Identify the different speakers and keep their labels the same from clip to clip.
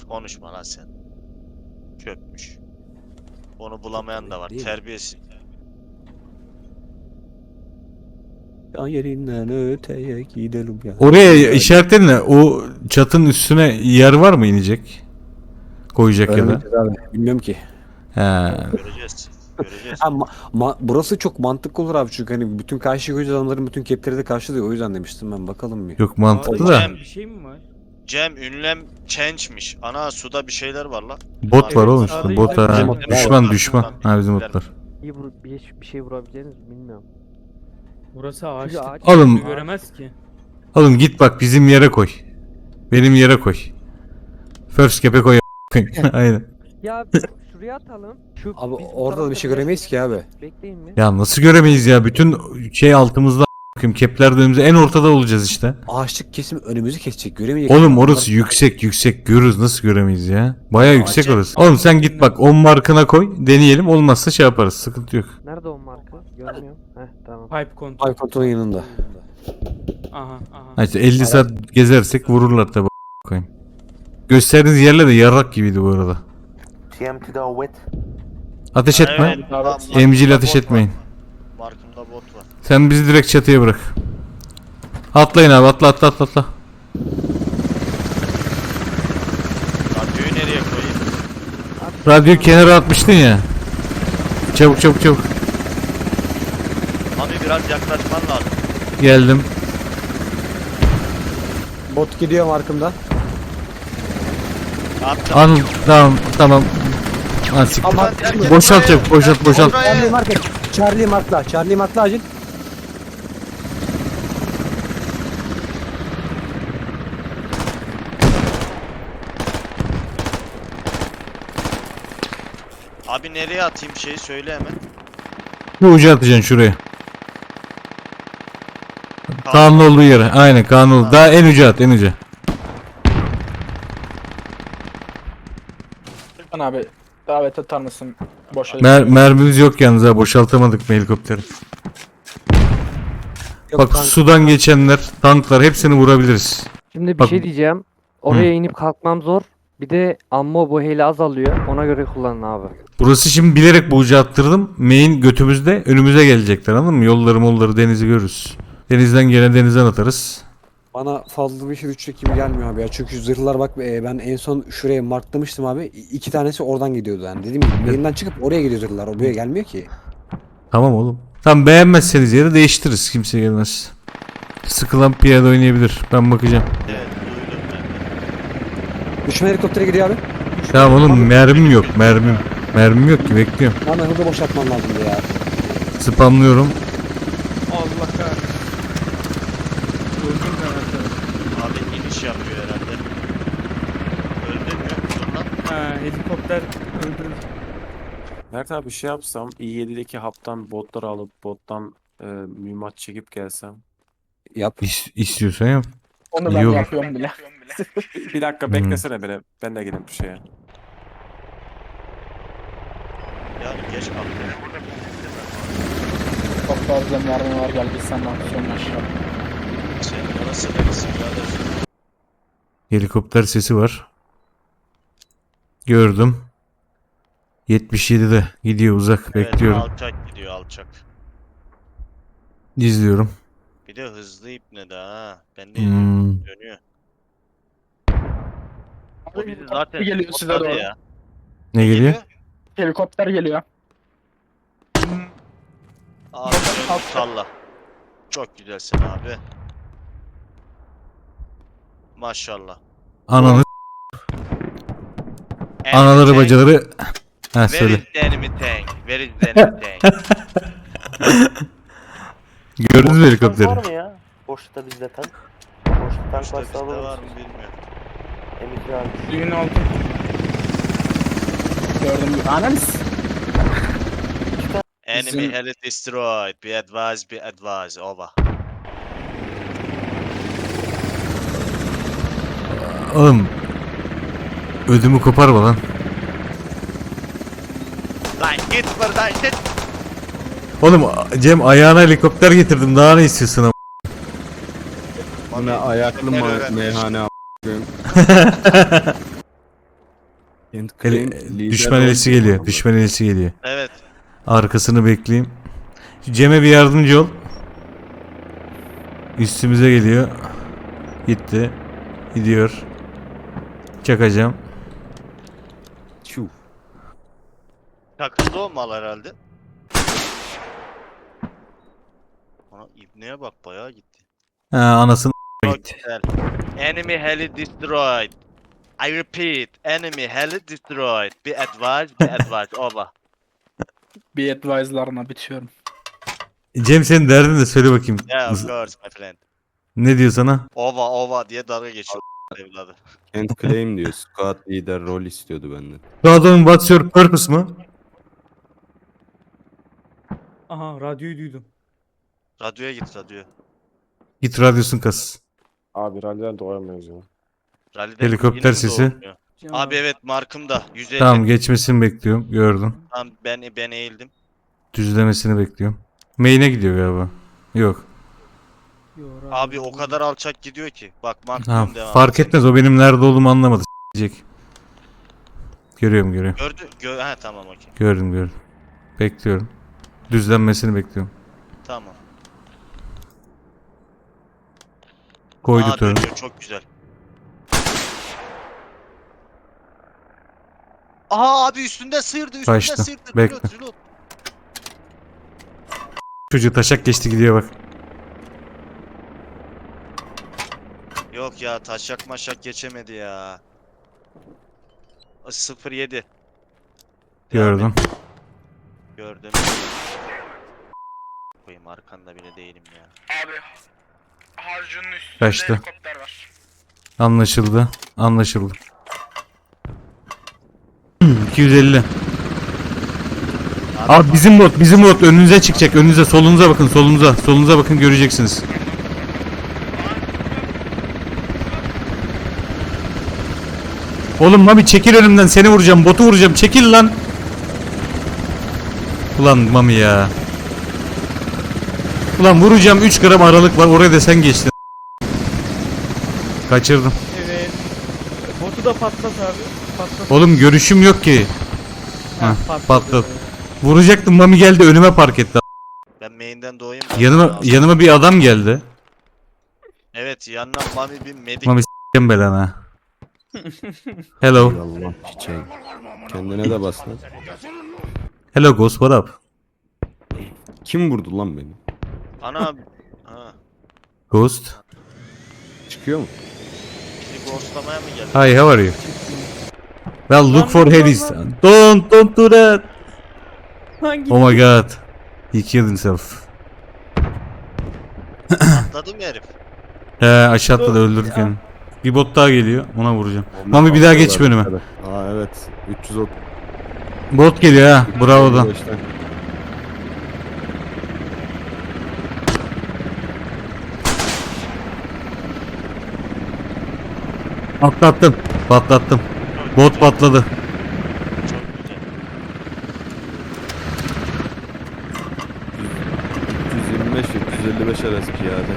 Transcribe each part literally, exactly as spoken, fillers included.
Speaker 1: Konuşma lan sen. Köpmüş. Onu bulamayan da var.
Speaker 2: Değil mi?
Speaker 1: Terbiyesiz.
Speaker 2: Ya yerinden öteye gidelim ya.
Speaker 3: Oraya işaretledin de o çatının üstüne yer var mı inecek? Koyacak ya da.
Speaker 2: Öğreneceğiz abi. Bilmiyorum ki.
Speaker 3: He.
Speaker 1: Göreceğiz. Göreceğiz.
Speaker 2: Ha, ma- ma- burası çok mantıklı olur abi çünkü hani bütün karşı göç adamların bütün kepleri de karşılıyor. O yüzden demiştim ben, bakalım bir.
Speaker 3: Yok mantıklı
Speaker 1: Abi,
Speaker 3: da.
Speaker 1: Cem-
Speaker 4: Bir şey mi var?
Speaker 1: Cem ünlem change'miş. Ana suda bir şeyler var la.
Speaker 3: Bot var
Speaker 4: Evet,
Speaker 3: oğlum
Speaker 4: sağda
Speaker 3: işte. Bot ha.
Speaker 2: bizim botlar
Speaker 3: Düşman
Speaker 1: var.
Speaker 3: düşman. Ha bizim botlar.
Speaker 5: İyi vur, bir, bir şey vurabileceğiniz bilmiyorum.
Speaker 4: Burası ağaç.
Speaker 5: Çünkü ağaç-
Speaker 3: Oğlum
Speaker 4: Göremez ki.
Speaker 3: oğlum git bak bizim yere koy. Benim yere koy. First cap'e koy. Aynen.
Speaker 5: Ya şuraya atalım. Şu
Speaker 2: Abi
Speaker 5: biz bu
Speaker 2: orada da bir
Speaker 5: tarafta
Speaker 2: şey göremeyiz ki abi.
Speaker 5: Bekleyin mi?
Speaker 3: Ya nasıl göremeyiz ya? Bütün şey altımızda a**ayım. Kepler de önümüzde en ortada olacağız işte.
Speaker 2: Ağaçlık kesim önümüzü kesecek, göremeyecek.
Speaker 3: Oğlum orası yüksek yüksek görürüz, nasıl göremeyiz ya? Baya yüksek
Speaker 1: Acayip.
Speaker 3: orası. Oğlum sen git bak on markına koy, deneyelim, olmazsa şey yaparız, sıkıntı yok.
Speaker 5: Nerede o marka? Görmüyorum. Heh tamam.
Speaker 4: Pipe kontrol.
Speaker 2: Ay kontrolün yanında.
Speaker 4: Aha aha.
Speaker 3: Ha işte elli saat gezersek vururlar tabi koyayım. Gösterdiğiniz yerler de yarrak gibiydi bu arada.
Speaker 6: T M T'de wet.
Speaker 3: Ateş etme.
Speaker 1: Evet, lan,
Speaker 3: Emcil
Speaker 1: markımda
Speaker 3: ateş
Speaker 1: bot var.
Speaker 3: etmeyin.
Speaker 1: Markımda bot var.
Speaker 3: Sen bizi direkt çatıya bırak. Atlayın abi, atla atla atla atla.
Speaker 1: Radyoyu nereye koyayım?
Speaker 3: Radyoyu kenara atmıştın ya. Çabuk çabuk çabuk.
Speaker 1: Abi biraz yaklaşman lazım.
Speaker 3: Geldim.
Speaker 2: Bot gidiyor markımda.
Speaker 1: Attım.
Speaker 3: An tamam tamam. Ha, siktir.
Speaker 2: Ama
Speaker 3: Boşalt çabuk, boşalt boşalt.
Speaker 2: Charlie market. Charlie markla. Charlie markla acil.
Speaker 1: Abi nereye atayım şeyi söyle hemen.
Speaker 3: Bu ucu atacaksın şuraya. Kaan'ın olduğu yere. Aynen Kaan'ın olduğu. Daha en uca at, en uca.
Speaker 7: Lütfen abi davet atar mısın? Boş
Speaker 3: Mer mermimiz yok yalnız ha, boşaltamadık mı helikopteri?
Speaker 2: Yok,
Speaker 3: Bak
Speaker 2: tank-
Speaker 3: sudan geçenler, tanklar hepsini vurabiliriz.
Speaker 5: Şimdi bir
Speaker 3: Bak-
Speaker 5: şey diyeceğim. Oraya inip kalkmam zor. Bir de ammo bu hele azalıyor. Ona göre kullanın abi.
Speaker 3: Burası şimdi bilerek bu ucu attırdım. Main götümüzde, önümüze gelecekler, anladın mı? Yolları molları denizi görürüz. Denizden gelen denizden atarız.
Speaker 2: Bana fazla bir şey üçlük gibi gelmiyor abi ya. Çünkü zırhlar bak, e, ben en son şuraya marklamıştım abi. İ- İki tanesi oradan gidiyordu yani. Dediğim gibi yerinden çıkıp oraya gidiyor zırhlar. O buraya gelmiyor ki.
Speaker 3: Tamam oğlum. Tam beğenmezseniz yeri değiştiririz. Kimse gelmez. Sıkılan piyade oynayabilir. Ben bakacağım.
Speaker 1: Evet duydum ben.
Speaker 2: Düşman helikoptere gidiyor abi.
Speaker 3: Tamam oğlum, mermim yok mermim. Mermim yok ki, bekliyorum.
Speaker 2: Bana hızlı boşaltman lazımdı ya.
Speaker 3: Spamlıyorum.
Speaker 4: Allah kahretsin. Öldüm ben arkadaşlar.
Speaker 1: Abi iniş yapıyor herhalde. Öldün mü? Dur lan.
Speaker 4: Ha, helikopter öldürür.
Speaker 8: Mert abi şey yapsam i yedideki haptan botları alıp bottan e, mühimmat çekip gelsem.
Speaker 2: Yap.
Speaker 3: İs istiyorsan yap.
Speaker 7: Onu ben
Speaker 3: İyi olur.
Speaker 7: yapıyorum bile.
Speaker 8: Bir dakika
Speaker 3: Hmm.
Speaker 8: beklesene bile. Ben de geleyim bir şeye.
Speaker 1: Yani geç kalktım.
Speaker 7: Çok fazla mermi var, gel biz seninle aksiyon aşağı.
Speaker 1: Sen orası neresi birader?
Speaker 3: Helikopter sesi var. Gördüm. yetmiş yedide gidiyor uzak,
Speaker 1: Evet,
Speaker 3: bekliyorum.
Speaker 1: alçak gidiyor alçak.
Speaker 3: İzliyorum.
Speaker 1: Bir de hızlı ipne de ha. Ben de
Speaker 3: Hmm.
Speaker 1: dönüyor. O
Speaker 7: Abi,
Speaker 1: bizi
Speaker 7: helikopter
Speaker 1: zaten
Speaker 7: geliyor size
Speaker 1: botladı
Speaker 7: doğru.
Speaker 1: ya.
Speaker 3: Ne geliyor?
Speaker 7: Helikopter geliyor.
Speaker 1: Abi dön, salla. Çok güzelsin abi. Maşallah.
Speaker 3: Ananı
Speaker 1: Enemy
Speaker 3: anaları
Speaker 1: tank.
Speaker 3: bacaları. Ha
Speaker 1: Where
Speaker 3: söyle.
Speaker 1: is the enemy tank? Where is the enemy tank?
Speaker 3: Gördünüz mü
Speaker 6: Tank
Speaker 3: helikopteri?
Speaker 6: var mı ya? Boşlukta bizde tank. Boşlukta tank
Speaker 1: İşte
Speaker 6: varsa
Speaker 1: bizde
Speaker 6: alırız.
Speaker 1: var mı bilmiyorum.
Speaker 6: Emekli abi.
Speaker 7: Düğün altı. Gördüm gibi. Analiz.
Speaker 1: Enemy
Speaker 7: Bizim-
Speaker 1: heli destroyed. Be advised, be advised. Over.
Speaker 3: Oğlum. Ödümü koparma lan.
Speaker 1: Lan git buradan git.
Speaker 3: Oğlum Cem ayağına helikopter getirdim, daha ne istiyorsun ama?
Speaker 2: Bu ne ayaklı
Speaker 1: ma-
Speaker 2: meyhane
Speaker 3: Ele- düşman elisi geliyor. Düşman elisi geliyor.
Speaker 1: Evet.
Speaker 3: Arkasını bekleyeyim. Cem'e bir yardımcı ol. Üstümüze geliyor. Gitti. Gidiyor. Çakacağım.
Speaker 2: Çuh.
Speaker 1: Takıldı olmalı herhalde. Ana ibneye bak bayağı gitti.
Speaker 3: Ha, anasını
Speaker 1: Çok
Speaker 3: gitti.
Speaker 1: güzel. Enemy heli destroyed. I repeat, enemy heli destroyed. Be advised, be advised. Over.
Speaker 7: Bir advice'larına bitiyorum.
Speaker 3: Cem senin derdin de söyle bakayım.
Speaker 1: Yeah, of course my friend.
Speaker 3: Ne diyor sana?
Speaker 1: Ova ova diye dalga geçiyor evladı.
Speaker 9: Kent claim diyor. Squad lider rol istiyordu benden.
Speaker 3: Bu adamın what's your purpose mı?
Speaker 4: Aha radyoyu duydum.
Speaker 1: Radyoya git radyoya.
Speaker 3: Git radyosunu kas.
Speaker 8: Abi rally'den doğamıyoruz ya.
Speaker 1: Rally'den
Speaker 3: Helikopter
Speaker 1: yine mi
Speaker 3: sesi.
Speaker 1: doğmuyor?
Speaker 4: Cem
Speaker 1: Abi evet markımda. yüz elli.
Speaker 3: Tamam geçmesini bekliyorum. Gördüm.
Speaker 1: Tamam ben, ben eğildim.
Speaker 3: Düzlemesini bekliyorum. Main'e gidiyor galiba. Yok.
Speaker 4: Yo, radyo
Speaker 1: Abi o
Speaker 4: duydum.
Speaker 1: kadar alçak gidiyor ki. Bak
Speaker 3: Ha,
Speaker 1: maksimum devam.
Speaker 3: fark etmez o benim nerede olduğumu anlamadı. S**ecek. Görüyorum görüyorum.
Speaker 1: Gördü. Gö ha tamam okey.
Speaker 3: Gördüm gördüm. Bekliyorum. Düzlenmesini bekliyorum.
Speaker 1: Tamam.
Speaker 3: Koydu
Speaker 1: Aa
Speaker 3: törü.
Speaker 1: dönüyor çok güzel. Aha abi üstünde sıyırdı üstünde
Speaker 3: Kaçtı.
Speaker 1: sıyırdı.
Speaker 3: Bekle.
Speaker 1: Reload, reload.
Speaker 3: Çocuğu taşak geçti gidiyor bak.
Speaker 1: Yok ya taşak maşak geçemedi ya. sıfır yedi. Devam
Speaker 3: Gördüm.
Speaker 1: et. Gördüm. Koyayım arkanda bile değilim ya.
Speaker 7: Abi harcının üstünde
Speaker 3: Kaçtı.
Speaker 7: helikopter var.
Speaker 3: Anlaşıldı. Anlaşıldı. iki yüz elli. Abi bizim bot, bizim bot önünüze çıkacak. Önünüze, solunuza bakın, solunuza. Solunuza bakın göreceksiniz. Oğlum Mami çekil önümden seni vuracağım. Botu vuracağım. Çekil lan. Ulan Mami ya. Ulan vuracağım üç gram aralık var. Oraya da sen geçtin. Kaçırdım.
Speaker 4: Evet. Botu da patlat abi. Patlat.
Speaker 3: Oğlum görüşüm yok ki.
Speaker 4: Ha,
Speaker 3: Heh,
Speaker 4: patladı.
Speaker 3: patlat. Vuracaktım Mami geldi önüme park etti.
Speaker 1: Ben main'den doğayım.
Speaker 3: Yanıma yanıma bir adam geldi.
Speaker 1: Evet yanına Mami bir medik.
Speaker 3: Mami s**kem belana. Hello.
Speaker 9: Allah çiçeği. Kendine de bas lan.
Speaker 3: Hello Ghost what up?
Speaker 9: Kim vurdu lan beni?
Speaker 1: Ana. Ha.
Speaker 3: Ghost.
Speaker 9: Çıkıyor mu?
Speaker 1: Bizi ghostlamaya mı geldi?
Speaker 3: Hi how are you? Well look
Speaker 4: Lan,
Speaker 3: for
Speaker 4: lan,
Speaker 3: Hades.
Speaker 4: lan.
Speaker 3: Don't don't do that.
Speaker 4: Hangi?
Speaker 3: Oh my god. He killed himself.
Speaker 1: Atladı mı herif?
Speaker 3: He aşağı atladı öldürdük yani. Bir bot daha geliyor ona vuracağım. Mami bir daha geçme önüme.
Speaker 9: Aa evet. üç yüz otuz.
Speaker 3: Bot geliyor ha. Bravo da.
Speaker 9: beşten.
Speaker 3: Atlattım. Patlattım. Bot patladı.
Speaker 1: Çok güzel.
Speaker 9: üç yüz yirmi beş üç yüz elli beş arası piyade.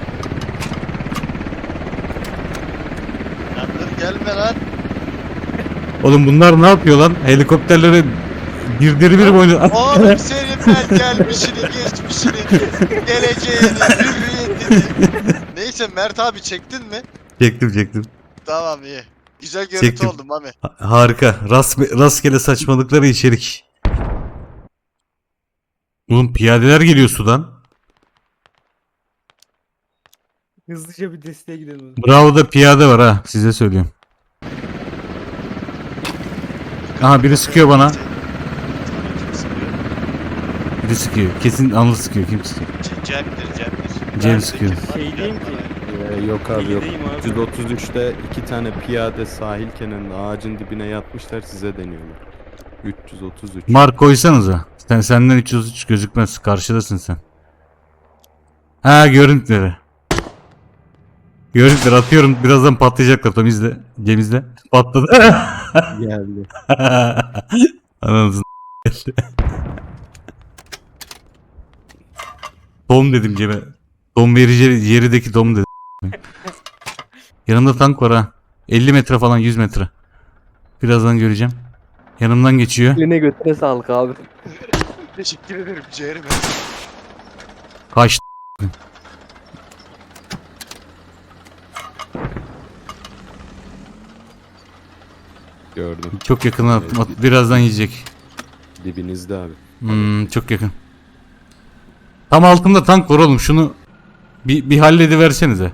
Speaker 1: Lan dur gelme lan.
Speaker 3: Oğlum bunlar ne yapıyor lan? Helikopterleri birdir bir oynuyor.
Speaker 1: Oğlum senin ben gelmişini, geçmişini, geleceğini, hürriyetini. Neyse Mert abi çektin mi?
Speaker 3: Çektim çektim.
Speaker 1: Tamam iyi. Güzel görüntü
Speaker 3: Çektim.
Speaker 1: oldu Mami.
Speaker 3: Ha- Harika. Rast, rastgele saçmalıkları içerik. Oğlum piyadeler geliyor sudan.
Speaker 4: Hızlıca bir desteğe gidelim.
Speaker 3: Bravo da piyade var ha. Size söylüyorum. Aha biri sıkıyor bana. Biri sıkıyor. Kesin anlı sıkıyor. Kim sıkıyor?
Speaker 1: Ce- Cem'dir Cem'dir.
Speaker 3: Cem
Speaker 1: Ben
Speaker 3: sıkıyor.
Speaker 1: de kim var?
Speaker 4: Şey diyeyim ki.
Speaker 9: Ee, yok abi yok.
Speaker 4: Bilgideyim abi.
Speaker 9: üç yüz otuz üçte iki tane piyade sahil kenarında ağacın dibine yatmışlar size deniyorlar. üç yüz otuz üç.
Speaker 3: Mark koysanıza. Sen senden üç yüz üç gözükmez. Karşıdasın sen. Ha görüntüleri. Görüntüleri atıyorum. Birazdan patlayacaklar. Tam izle. Cem izle. Patladı.
Speaker 9: Geldi.
Speaker 3: Ananızın geldi. Dom dedim Cem'e. Dom verici yerideki dom dedim. Yanımda tank var ha. elli metre falan yüz metre. Birazdan göreceğim. Yanımdan geçiyor.
Speaker 5: Eline götüne sağlık abi.
Speaker 1: Teşekkür ederim ciğerim.
Speaker 3: Kaç.
Speaker 9: Gördüm.
Speaker 3: Çok yakın attım. At- Birazdan yiyecek.
Speaker 9: Dibinizde abi.
Speaker 3: Hmm, çok yakın. Tam altımda tank var oğlum. Şunu bir, bir hallediversenize.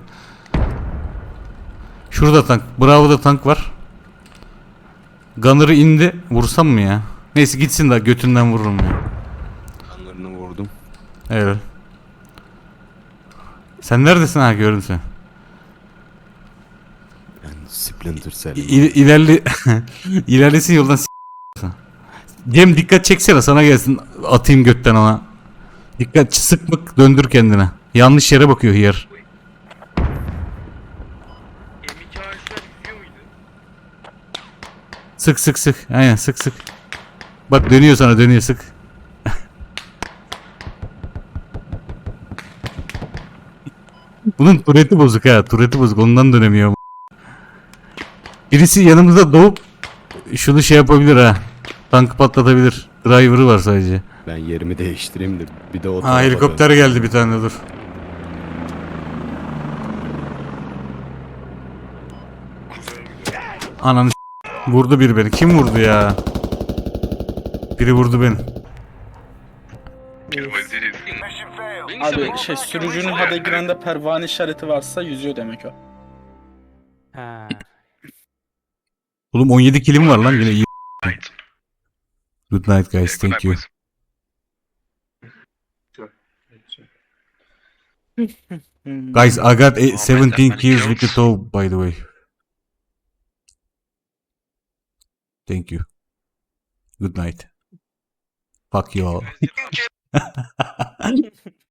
Speaker 3: Şurada tank. Bravo'da tank var. Gunner'ı indi. Vursam mı ya? Neyse gitsin de götünden vururum ya.
Speaker 9: Anlarını vurdum.
Speaker 3: Evet. Sen neredesin ha, gördüm seni.
Speaker 9: Ben Splinter Cell.
Speaker 3: İ- ilerli ilerlesin yoldan s- Cem dikkat çeksene, sana gelsin, atayım götten ona. Dikkat, sıkmak, döndür kendine. Yanlış yere bakıyor hıyar.
Speaker 7: M iki A Ş'ler yüzüyor muydu?
Speaker 3: Sık sık sık. Aynen, sık sık. Bak dönüyor sana, dönüyor, sık. Bunun turreti bozuk ha. Turreti bozuk. Ondan dönemiyor. Birisi yanımızda doğup şunu şey yapabilir ha. Tankı patlatabilir. Driver'ı var sadece.
Speaker 9: Ben yerimi değiştireyim de bir de o
Speaker 3: Ha,
Speaker 9: tarafa
Speaker 3: helikopter
Speaker 9: dön.
Speaker 3: geldi bir tane, dur. Ananı s- vurdu biri beni. Kim vurdu ya? Biri vurdu beni.
Speaker 7: Abi şey sürücünün H U D'e girende pervane işareti varsa yüzüyor demek o.
Speaker 3: Oğlum on yedi kilim var lan, yine iyi. Good night guys, thank you.
Speaker 7: Hmm.
Speaker 3: Guys, I got a seventeen kills with the tow, by the way. Thank you. Good night. Fuck you all.